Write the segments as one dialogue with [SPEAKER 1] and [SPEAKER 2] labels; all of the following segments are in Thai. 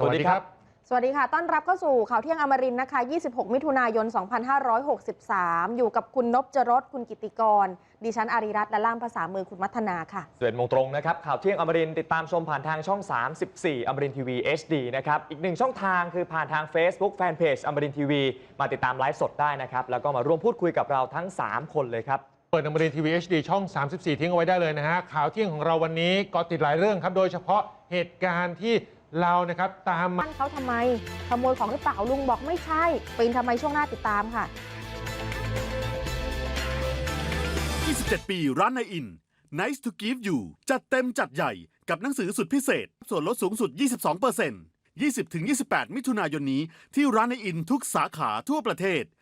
[SPEAKER 1] สวัสดีครับ
[SPEAKER 2] สวัสดีค่ะต้อนรับเข้าสู่ข่าวเที่ยงอมรินทร์นะคะ26 มิถุนายน 2563 อยู่กับคุณนพจรสคุณกิติกรดิฉันอารีรัตน์และล่ามภาษามือคุณมัฒนาค่ะ
[SPEAKER 1] 11 โมงตรงนะครับข่าวเที่ยงอมรินทร์ติดตามชมผ่านทางช่อง 34อมรินทร์ทีวี HD นะครับอีกหนึ่งช่องทางคือผ่านทาง Facebook Fanpage อมรินทร์ทีวีมาติดตามไลฟ์สดได้นะครับแล้วก็มาร่วมพูดคุยกับเราทั้ง3คนเลยครับ
[SPEAKER 3] เปิดอมรินทร์ทีวี HD ช่อง 34 ทิ้งเอาไว้ได้เลยนะฮะข่าวเที่ยงของเราวันนี้ก็ติดหลายเรื่องครับโดยเฉพาะเหตุการณ์ที่เรานะครับตาม
[SPEAKER 2] บ้านเขาทำไมขโมยของหรือเปล่าลุงบอกไม่ใช่ปีนทำไมช่วงหน้าติดตามค่ะ
[SPEAKER 4] 27 ปีร้านนายอิน Nice to give you จัดเต็มจัดใหญ่กับหนังสือสุดพิเศษส่วนลดสูงสุด 22% 20-28 มิถุนายนนี้ที่ร้านนายอินทุกสาขาทั่วประเทศ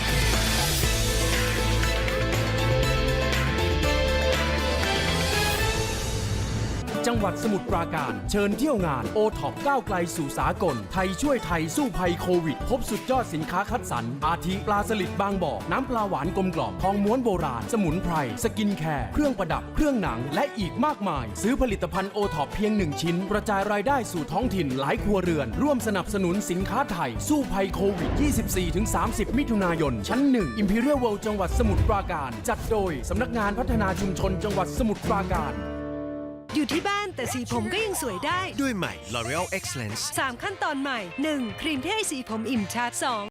[SPEAKER 5] จังหวัดสมุทรปราการเชิญเที่ยวงานโอท็อปก้าวไกลสู่สากลไทยช่วยไทยสู้ภัยโควิดพบสุดยอดสินค้าคัดสรรอาทิปลาสลิดบางบ่อน้ำปลาหวานกลมกล่อมทองม้วนโบราณสมุนไพรสกินแคร์เครื่องประดับเครื่องหนังและอีกมากมายซื้อผลิตภัณฑ์โอท็อปเพียง1ชิ้นกระจายรายได้สู่ท้องถิ่นหลายครัวเรือนร่วมสนับสนุนสินค้าไทยสู้ภัยโควิด 24-30 มิถุนายนชั้น1 Imperial World จังหวัดสมุทรปราการจัดโดยสำนักงานพัฒนาชุมชนจังหวัดสมุทรปราการ
[SPEAKER 6] อยู่ที่บ้านแต่สีผมก็ยังสวยได้
[SPEAKER 7] ด้วยใหม่ L'Oreal Excellence
[SPEAKER 6] 3 ขั้นตอนใหม่ 1. ครีมที่ให้สีผมอิ่มชัด 2.